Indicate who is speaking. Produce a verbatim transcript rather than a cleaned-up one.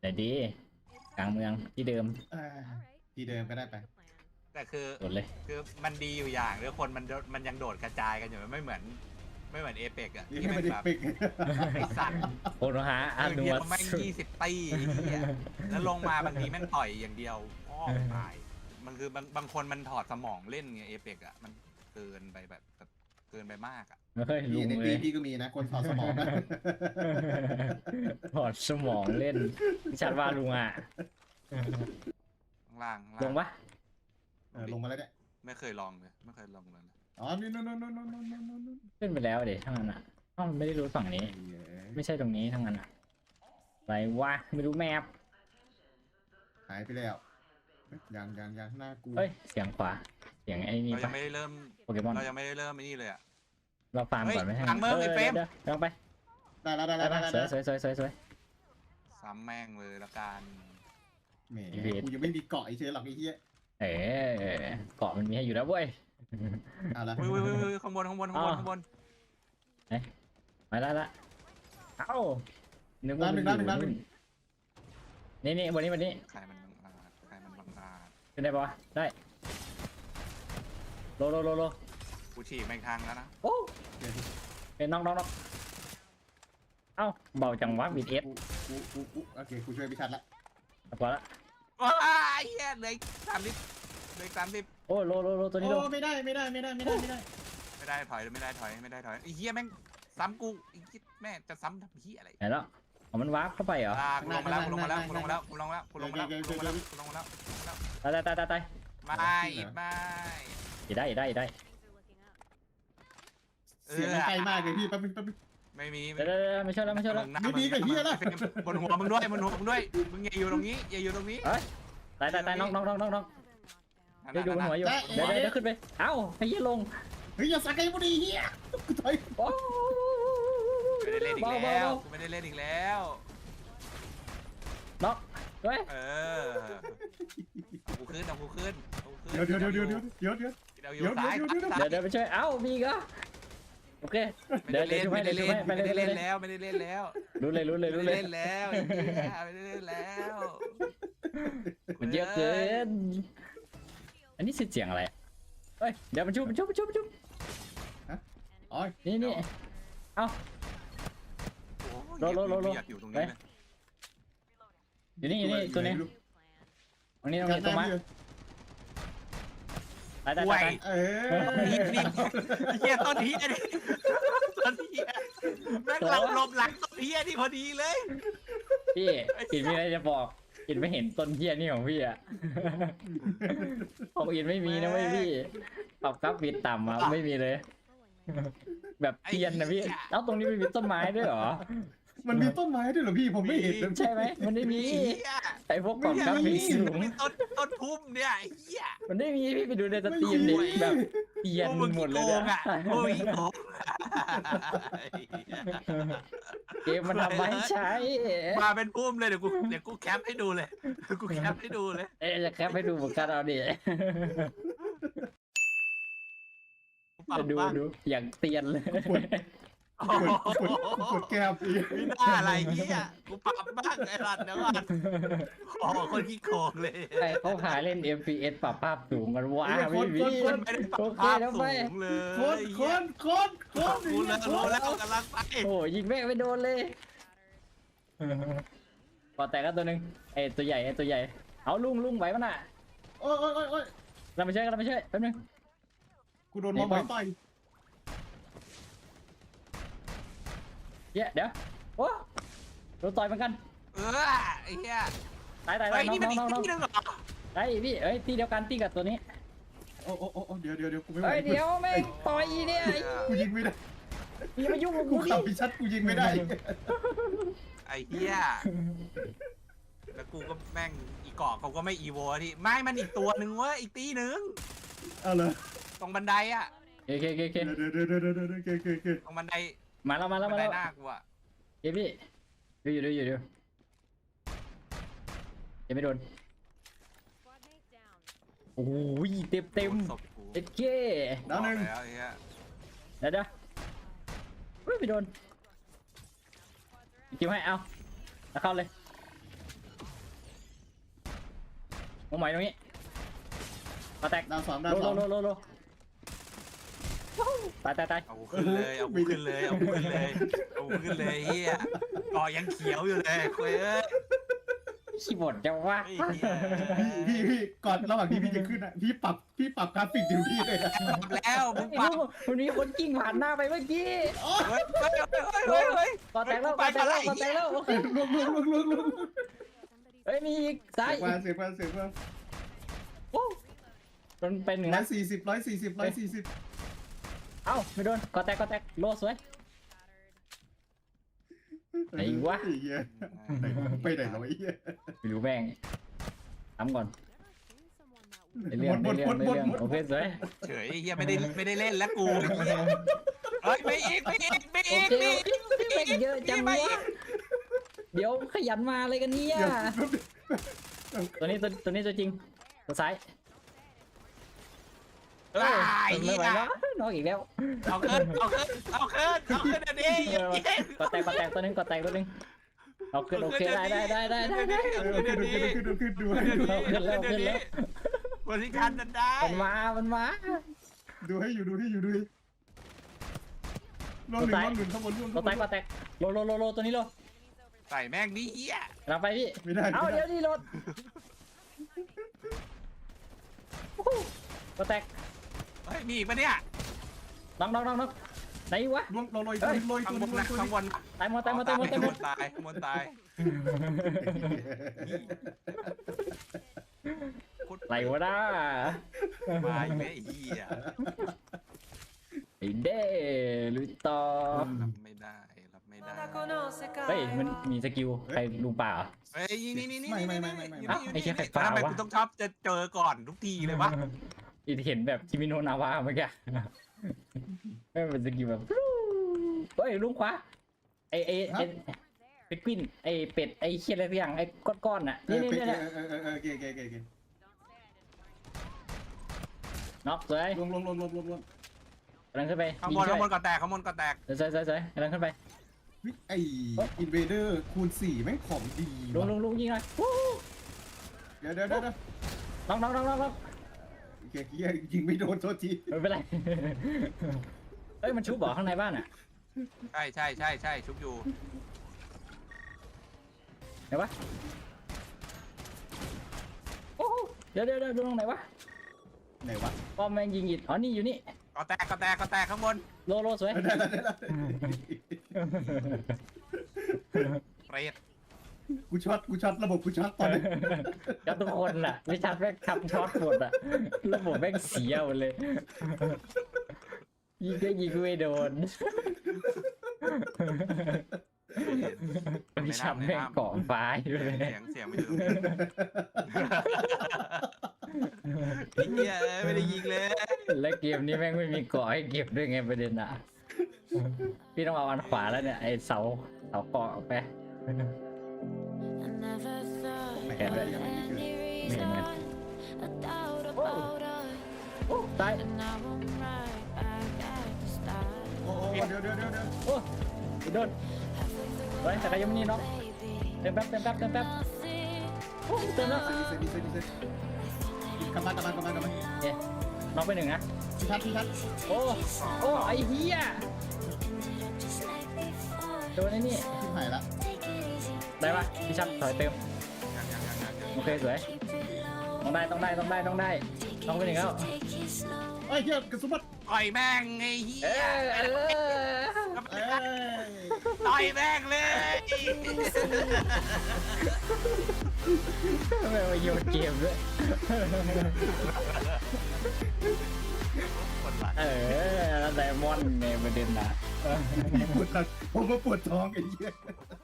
Speaker 1: แต่ดีกลางเมืองที่เดิม
Speaker 2: เออที่เดิมก็ได้ไป
Speaker 3: แต่คือ
Speaker 1: โดดเลย
Speaker 3: คือมันดีอยู่อย่างเดียวคนมันโดดมันยังโดดกระจายกันอยู่ไม่เหมือน ไม่เหมือนเอเปกอะ
Speaker 2: นี่
Speaker 3: ที่
Speaker 2: ไม่
Speaker 3: เป็น
Speaker 2: ได้
Speaker 3: แบบ
Speaker 2: ปิก
Speaker 3: ไอสัตว์
Speaker 1: โคโนฮะอา
Speaker 3: บาง
Speaker 1: นู
Speaker 3: ที
Speaker 1: วั
Speaker 3: มันแม่ง
Speaker 1: สุ
Speaker 3: ยี่สิบตีไอ้เหี้ยแล้วลงมาบางทีแม่งต่อยอย่างเดียวอ้อตายมันคือบางบางคนมันถอดสมองเล่นไงเอเปกอะมันเกินไปแบบแบบเกินไปมากอะ
Speaker 1: เฮ้ยลุ
Speaker 2: พี่
Speaker 1: ง
Speaker 2: ใน
Speaker 1: เล
Speaker 2: ปี
Speaker 1: ย
Speaker 2: พี่ก็มีนะ คนถอดสมองนะ
Speaker 1: ถอดสมองเล่นชัดว่าลุงอ่ะ
Speaker 3: ข้างล่าง
Speaker 1: ลงปะ
Speaker 2: เออลงมาแล้วเนี่ย
Speaker 3: ไม่เคยลองเลยไม่เคยลองเลย
Speaker 2: อ๋อนี่นู่นนู่นนู่นนู่นนู่นนู่น
Speaker 1: ขึ้นไปแล้วเดี๋ยวทั้งนั้นอ่ะอ้าวมันไม่ได้รู้ฝั่งนี้ ไม่ใช่ตรงนี้ทั้งนั้นอ่ะอะไรวะไม่รู้แมพ
Speaker 2: หายไปแล้วยังยังยังหน้ากู
Speaker 1: เฮ้ยเสียงขวาเสียงไอ้นี่
Speaker 3: เรายั
Speaker 1: ปะ
Speaker 3: งไม่ได้เริ่ม
Speaker 1: โปเกมอน
Speaker 3: เรายังไม่ได้เริ่มไอ้นี่เลยอะ
Speaker 1: เราฟาร์มก่อนไหม
Speaker 3: เฮ้ยหลังเมืองไอ้เฟรม
Speaker 1: ดี๋ยวดี๋ยวลองไป
Speaker 2: ได้แล้วได้
Speaker 1: ได้
Speaker 2: แล้ว
Speaker 1: ปะ
Speaker 2: ได้
Speaker 1: สวย
Speaker 2: แล้ว
Speaker 1: สวยสวยสวยสวย
Speaker 3: ซ้ำแม่งเลยละกัน
Speaker 2: แหมกูยังไม่มีเกาะไอ้เชยหรอกไอ้เหี้ย
Speaker 1: เอ๋เกาะมันมีให้อยู่แล้วเว้ย
Speaker 2: เอาละ
Speaker 3: วิววิววิววิวข้างบนข้างบนข้างบนข้างบน
Speaker 1: มาแล้วละเอ้านึก
Speaker 2: ด้า
Speaker 1: ว่าน
Speaker 2: ห
Speaker 1: มั
Speaker 2: นึ่
Speaker 1: น
Speaker 2: ง
Speaker 1: อ
Speaker 2: ด้านหนึ่
Speaker 1: ยู่
Speaker 2: งด้านหนึ่
Speaker 1: นู่
Speaker 2: ง
Speaker 1: นนี่นี่วันนี้วันนี้
Speaker 3: ใครมันบังอาจใครมันบังอาจ
Speaker 1: เป็นได้ปะวะได้โลโลโลโล
Speaker 3: กูฉีกแม่งทางแล้วนะ
Speaker 1: โอ้เป็นน้องน้องน้องเอ้าเบาจังวะบีดเอส
Speaker 2: กูกูกูโอเคกูช่วยพิชัดละ
Speaker 1: พอละ
Speaker 3: ว้ายเฮียเหลือสามสิบเหลือสามสิบ
Speaker 1: โอ้โลโลโลตัวนี้โล
Speaker 2: โอ้ไม่ได้ไม่ได้ไม่ได้ไม่ได้ไม่ได้
Speaker 3: ไม่ได้ถอยไม่ได้ถอยไม่ได้ถอยไอ้เฮียแม่งซ้ำกูไอ้เหี้ยแม่จะซ้ำทำเฮียอะไร
Speaker 1: ไหนแล้วอ๋อมันวาร์ปเข้าไปเหรอ
Speaker 3: อ่ากูลงมาแล้วกูลงมาแล้วกูลงมาแล้วกูลงมาแล้วกูลงมาแล้วกูลงมาแล้วกูลงมาแล้ว
Speaker 1: ตายตายตายตายตาย
Speaker 3: ไม่ไม่
Speaker 1: อีได้อีได้อีได้
Speaker 2: เสียงมันไกลมากเลยพี่แป๊บนึงแป๊บนึง
Speaker 3: ไม่มี
Speaker 1: เดี๋ยวเดี๋ยวเดี๋ยวไม่ช่วยแล้วไม่ช่วยแล้ว
Speaker 2: ไม่มีกับเหี้ยแล้ว
Speaker 3: บนหัวมึงด้วยบนหัวมึงด้วยมึงอย่าอยู่ตรงนี้อย่าอยู่ตรงนี้
Speaker 1: เฮ้ยตายตายตายน้องน้องน้องน้องน้องเดี๋ยวดูบนหัวอยู่เดี๋ยวเดี๋ยวเดี๋ยวขึ้นไปเอ้าไอ้เหี้ยลง
Speaker 2: เฮ้ยอย่าสักไอ้พวกนี้เหี้ยกูถอย
Speaker 1: โอ้
Speaker 3: ไม่ได้เล่นอีกแล้วกูไม่ได้เล่นอีกแล้ว
Speaker 1: น็อกเฮ้ย
Speaker 3: เออเอากูขึ้นเอากูขึ้นเอากูขึ้น
Speaker 2: เดี๋ยวเดี๋ยวเดี๋ยวเดี๋ยวเดี๋ยวเดี๋ยว
Speaker 3: เดี๋ยวอยู่ซ้าย
Speaker 1: เดี๋ยวเดี๋ยวไปช่วยเอ้ามีก็โอเค
Speaker 3: ไม่
Speaker 1: เดี๋ย
Speaker 3: ได้
Speaker 1: วเดี๋
Speaker 3: เล่
Speaker 1: ยวน ช่วย
Speaker 3: ไม่
Speaker 1: ให้
Speaker 3: ได้
Speaker 1: เดี๋ยว
Speaker 3: เล่
Speaker 1: ช่วยให้ไปเลย
Speaker 3: นไม่ได้เล่นแล้วไม่ได้เล่นแล้ว
Speaker 1: รู้เลยรู้เลย
Speaker 3: ไม่
Speaker 1: รู้
Speaker 3: ได้
Speaker 1: เลย
Speaker 3: เล่นแล้วไอ้เหี้ยไม่ได้เล่นแล้ว
Speaker 1: มันเยอะเกินอันนี้เสียงอะไรเฮ้ยเดี๋ยวมันชุบมันชุบมันชุบมันชุบ
Speaker 2: อ๋อ
Speaker 1: นี่นี่เอ้า โลโลโลโล
Speaker 3: อยากอยู่ตรงนี้เลย
Speaker 1: อยู่นี่อยู่นี่ตัวนี้ตรงนี้ตรงนี้ตรงมาตายตายตาย
Speaker 2: เออ
Speaker 3: นี่นี่เฮียต้นเฮียนี่ต้นเฮียแม่งเราหลบหลังต้นเฮียนี่พอดีเลย
Speaker 1: พี่อินมีอะไรจะบอกอินไม่เห็นต้นเฮียนี่ของพี่อะของอินไม่มีนะไม่พี่ปรับกราฟิกต่ำอะไม่มีเลย แบบเทียนนะพี่แล้วตรงนี้ไม่มีต้นไม้ด้วยเหรอ
Speaker 2: มันมีต้นไม้ด้วยเหรอพี่ผมไม่เห็นเลย
Speaker 1: ใช่ไหมมันไม่มี
Speaker 3: เฮีย
Speaker 1: ไอพวกกล่องกราฟิกสูง
Speaker 3: มันเป็นต้นต้นพุ่มเนี่ยไอ้เฮีย
Speaker 1: มันไม่มีพี่ไปดูในสตรีมดิแบบเทียนหมดเลย
Speaker 3: โอ้
Speaker 1: นะ
Speaker 3: โอ้ยโกง
Speaker 1: เกมมันทำมาให้ใช้
Speaker 3: มาเป็นพุ่มเลยเดี๋ยวกูเดี๋ยวกูแคปให้ดูเลยกูแคปให้ดูเลย
Speaker 1: เอ๊ะจะแคปให้ดูเหมือนกันเอาดิจะดูดูอย่างเตียนเลย
Speaker 2: กดกดกดแก้วพี่
Speaker 3: ไม่น่าอะไรเฮียกูปรับบ้างไอ้รันเดี๋ยวก่อนขอคนขี้โกงเลย
Speaker 1: ใครเขาหาเล่น เอ็ม พี เอส ปรับภาพสูงกันว้าไม่มี
Speaker 3: มันไม่ได้ปรับภาพสูงเลย
Speaker 2: คนคนคนคน
Speaker 3: กูเลิกรู้แล้วกำลังไป
Speaker 1: โอ้ยิงแม่งไม่โดนเลยพอแตกก็ตัวหนึ่งไอ้ตัวใหญ่ไอ้ตัวใหญ่เอาลุงลุงไหวมั้ยน่ะ
Speaker 2: โอ้ยโอ้ยโอ้ยโอ้ย
Speaker 1: เราไปช่วยกันเราไปช่วยแป๊บนึง
Speaker 2: กูโดนมอมไม้ต่อย
Speaker 1: เดี๋ยวเดี๋ยวโอ้โดนต่อยเหมือนกัน
Speaker 3: เออไอ้เหี้ย
Speaker 1: ตายตาย
Speaker 3: ไอ้
Speaker 1: ตายน้อ
Speaker 3: นี่
Speaker 1: ง
Speaker 3: มัน
Speaker 1: น้อง
Speaker 3: อีก
Speaker 1: น้อง
Speaker 3: ที่นึงเหรอ
Speaker 1: ไอ้พี่เอ้ยตีเดียวกันตีกับตัวนี้
Speaker 2: โอ้โอ้โอ้เดี๋ยวเดี๋ยวเดี๋ยวกูไม่ไหว
Speaker 1: เฮ้ยเดี๋ยวแม่งต่อยเนี่ย
Speaker 2: กูยิงไม่ได้
Speaker 1: อย่ามายุ่งกับ
Speaker 2: กู
Speaker 1: กูดิ
Speaker 2: ขับพิชัดกูยิงไม่ได้
Speaker 3: ไอ้เหี้ยแล้วกูก็แม่งอีกอกเขาก็ไม่อีโวที่ไม่มันอีกตัวหนึ่งเว้ยอีกตีหนึ่ง
Speaker 2: เอาเลย
Speaker 3: ตรงบันไดอะ
Speaker 1: โอเคโอเคโอเค
Speaker 2: เดี๋ยวเดี๋ยวเดี๋ยวเดี๋ยวเดี๋ยวเดี๋ยวเดี๋ยวเดี๋ยว
Speaker 3: ตรงบันได
Speaker 1: มาแล้วมาแล้ว
Speaker 3: บั
Speaker 1: มาน
Speaker 3: ได
Speaker 1: แล้ว
Speaker 3: หน้ากูอะ
Speaker 1: เฮ้ยพี่ดูอยู่ดูอยู่ดูยังไม่โดนโอ้ยเต็มเต็ม
Speaker 3: ศพกู
Speaker 1: เอ็ดเค
Speaker 2: ดาวหนึ่ง
Speaker 3: แล้วไอ้เหี้ย
Speaker 1: เดี๋ยวเดี๋ยวเฮ้ยไม่โดนคิวให้เอาแล้วเข้าเลยมุมใหม่ตรงนี้มาแตก
Speaker 2: ดาวสองดาว
Speaker 1: โล
Speaker 2: สอง
Speaker 1: โลโลโลตายตายตาย
Speaker 3: เอากูขึ้นเลยเอากูขึ้นเลยเอากูขึ้นเลยเอากูขึ้นเลยเฮียก่อยังเขียวอยู่เลยคุยเอ้ย
Speaker 1: ขี้บ่นจังวะ
Speaker 3: ไอ้เหี้ย
Speaker 2: พี่พี่ก่อนระหว่างที่พี่จะขึ้นอ่ะพี่ปรับพี่ปรับกราฟิกอยู่ที่เลยนะ
Speaker 3: แล้วมึง
Speaker 1: ไอ้
Speaker 3: ปั
Speaker 1: ลูกมันมีคนกิ้งผ่านหน้าไปเมื่อกี้
Speaker 3: เฮ้ยเฮ้ยเฮ้ยเฮ้ย
Speaker 1: ก่อแตกแล้วก่อแตกแล้วก่อแตกแล้วโอเค
Speaker 2: ลุกลุกลุกลุกลุก
Speaker 1: เฮ้ยมีอีกซ้าย
Speaker 2: เสียงมาเสียงมาเสียงมา
Speaker 1: โอ้มันเป็นหนึ่ง
Speaker 2: ร้อ
Speaker 1: นะ
Speaker 2: ยสี่สิบร้อยสี่สิบร้อยสี่สิบ
Speaker 1: เอ้าไม่โดนก่อแตกก่อแตกโลสวย ไหนวะ
Speaker 2: ไอ้เหี้ยไปไหนแล้วไอ้เหี้ย
Speaker 1: ไม่รู้แม่งทำก่อนในเรื่องในเรื่องในเรื่องโอเคสวย
Speaker 3: เฉยไอ้เฮียไม่ได้ไม่ได้เล่นแล้วกูเฮ้ยไม่อีกไม่อีกไม่
Speaker 1: โอ
Speaker 3: อีก
Speaker 1: เค
Speaker 3: ไม่อีก
Speaker 1: แม่งเยอะจังวะเดี๋ยวขยันมาอะไรกันเนี่ยตัวนี้ตัวตัวนี้ตัวจริงตัวซ้าย
Speaker 3: ไอ้
Speaker 1: ไม่
Speaker 3: เหี้
Speaker 1: ไหวย แล้ว
Speaker 3: เ
Speaker 1: นอกอีกแล้ว
Speaker 3: อาขึ้นเอาขึ้นเอาขึ้นเอาขึ้นอันนี้
Speaker 1: ก่อแตกก่อแตกตัวนึงก่อแตกตัวนึงเอาขึ้นโอเคได้ได้ได้ได้ได้ได้
Speaker 2: เออขึ้นขึ้นขึ้นขึ้นขึ้นดูให้ดู
Speaker 1: เอาขึ้นแล้วขึ้นแล้ว
Speaker 3: บริการนั้นได้
Speaker 1: มันมามันมา
Speaker 2: ดูให้อยู่ดูให้อยู่ดูให้ล่วงหนึ่งล่วงหนึ่งข้างบนล่วง
Speaker 1: ตัวแตกก่อแตกโลโลโลโลตัวนี้โล
Speaker 3: ใส่แม่งนี่เหี้ย
Speaker 1: กำลังไปพี่
Speaker 2: ไม่ได้
Speaker 1: เอาเดี๋ยวนี่โลดก่อแตก
Speaker 3: เฮ้ยมีอีกปะเนี่ย
Speaker 1: น้องน้องน้องน้องไหนวะ
Speaker 2: ล่วงลอยลอยตัวนึงลอย
Speaker 3: ข้า
Speaker 2: ตั
Speaker 3: ง
Speaker 2: ว
Speaker 3: บ
Speaker 2: นึ
Speaker 3: น
Speaker 2: ง
Speaker 3: นะข้างบน
Speaker 1: ตายหมดตายหมดตายหมดตายหมด
Speaker 3: ตายข้างบนตาย
Speaker 1: ไหลวะด้า
Speaker 3: มาอีกไหมไอ้เหี้ย
Speaker 1: ไอ้เด้ลุยต่อ
Speaker 3: รับไม่ได้รับไม่ได้
Speaker 1: เฮ้ยมันมีสกิลใครลุงป่า
Speaker 3: เฮ้ยนี่นี่นี่
Speaker 2: ไม่ไม่ไม่ไม่ไม่
Speaker 1: อ้าวไอ้เหี้ยใครป่าวะ
Speaker 3: ทำไมกูต้องชอบจะเจอก่อนทุกทีเลยวะ
Speaker 1: อีเห็นแบบคิมิโนะนาวาเมื่อกี้ไม่เป็นสกิลแบบเฮ้ยลุงขวาไอไอไอเป็ดกวินไอเป็ดไอเชี่ยอะไรสักอย่างไอก้อนๆน่ะ
Speaker 2: เอ
Speaker 1: นี่
Speaker 2: อ
Speaker 1: นี่
Speaker 2: เอ
Speaker 1: นี่
Speaker 2: อ
Speaker 1: แหละ
Speaker 2: เออเออเออเกย์เกย์เกย์เกย์
Speaker 1: น็อกสวย
Speaker 2: ลงลงลงลงลงลง
Speaker 1: กำลังขึ้นไป
Speaker 3: ข้าง
Speaker 1: ยิ
Speaker 3: บ
Speaker 1: ง
Speaker 3: น
Speaker 1: ช่ว
Speaker 3: ข้างบนก็แตกข้างบนก็แตก
Speaker 1: ยสวยสวยสวยกำลังขึ้นไป
Speaker 2: ไออินเวเดอร์คูณสี่แม่งของดี
Speaker 1: ลุงลุงลุงยิงหน่อยวู้
Speaker 2: เดี๋ยวเดี๋ยวเดี๋ยว
Speaker 1: น็อกน็อกน็อกน็อกน็อก
Speaker 2: เกียร์เกียร์ยิงไม่โดนโทษที
Speaker 1: ไม่เป็นไรเอ้ยมันชุบบ่อข้างในบ้านอ่ะ
Speaker 3: ใช่ใช่ใช่ใช่ชุบอยู่
Speaker 1: ไหนวะโอ้โหเดี๋ยวเดี๋ยวเดี๋ยวดูตรงไหนวะ
Speaker 2: ไหนวะ
Speaker 1: ป้อมแม่งยิงอิดอ๋อนี่อยู่นี่
Speaker 3: ก็แตกก็แตกก็แตกข้างบน
Speaker 1: โลโลสวย
Speaker 2: ได้แล้วได้แล้ว
Speaker 3: เปรต
Speaker 2: กูช็อตกูช็อตระบบกูช็อตตอนนี้
Speaker 1: กับทุกคนน่ะไม่ชัดแม่งทำช็อตหมดอ่ะระบบแม่งเสียหมดเลยยิงก็ยิงไม่โดนไม่ชัดแม่งเกาะฟ้าอยู่เลย
Speaker 3: เสียงเสียงไม่ถึงไอ้เหี้ยไม่ได้ยิงเลย
Speaker 1: และเกมนี้แม่งไม่มีเกาะให้เก็บด้วยไงประเด็นอ่ะพี่ต้องเอาอันขวาแล้วเนี่ยไอเสาเสาเกาะไปไม่เห็นเลยไม่เห็นเลยโอ้ตาย
Speaker 2: โอ้เดี๋ยวเดี๋ยวเดี๋ยวเดี๋ยว
Speaker 1: โอ้โดนไว้แต่ก็ยังไม่นี่เนาะเต็มแป๊บเต็มแป๊บเต็มแป๊บโอ้เต็มแล้ว
Speaker 2: เซนิเซนิเซนิเซนิกลับมากลับมากลับมากลับมา
Speaker 1: เอ๊ะน้องไปหนึ่งนะ
Speaker 2: พี่ชัดพี่ชัด
Speaker 1: โอ้โอ้ไอ้เหี้ยโดนไอ้นี่
Speaker 2: ชิบหายละ
Speaker 1: ได้ปะพี่ชัดถอยเติม
Speaker 3: ยังยังยังยังยัง
Speaker 1: โอเคสวยต้องได้ต้องได้ต้องได้ต้องได้ต้องไปหนึ่งแล้ว
Speaker 2: ไอ้เหี้ยกระสุนบัด
Speaker 3: ต่อยแม่งไอ้เหี้
Speaker 1: เอย อเออ
Speaker 2: เอ้ย
Speaker 3: ต่อยแม่งเลย
Speaker 1: ไม่มาโยนเกมด้วย
Speaker 3: คนละ
Speaker 1: เออแล้วไดมอนด์ในประเด็นนะ
Speaker 2: ปวดท้องผมก็ปวดท้องไอ้เหี้ย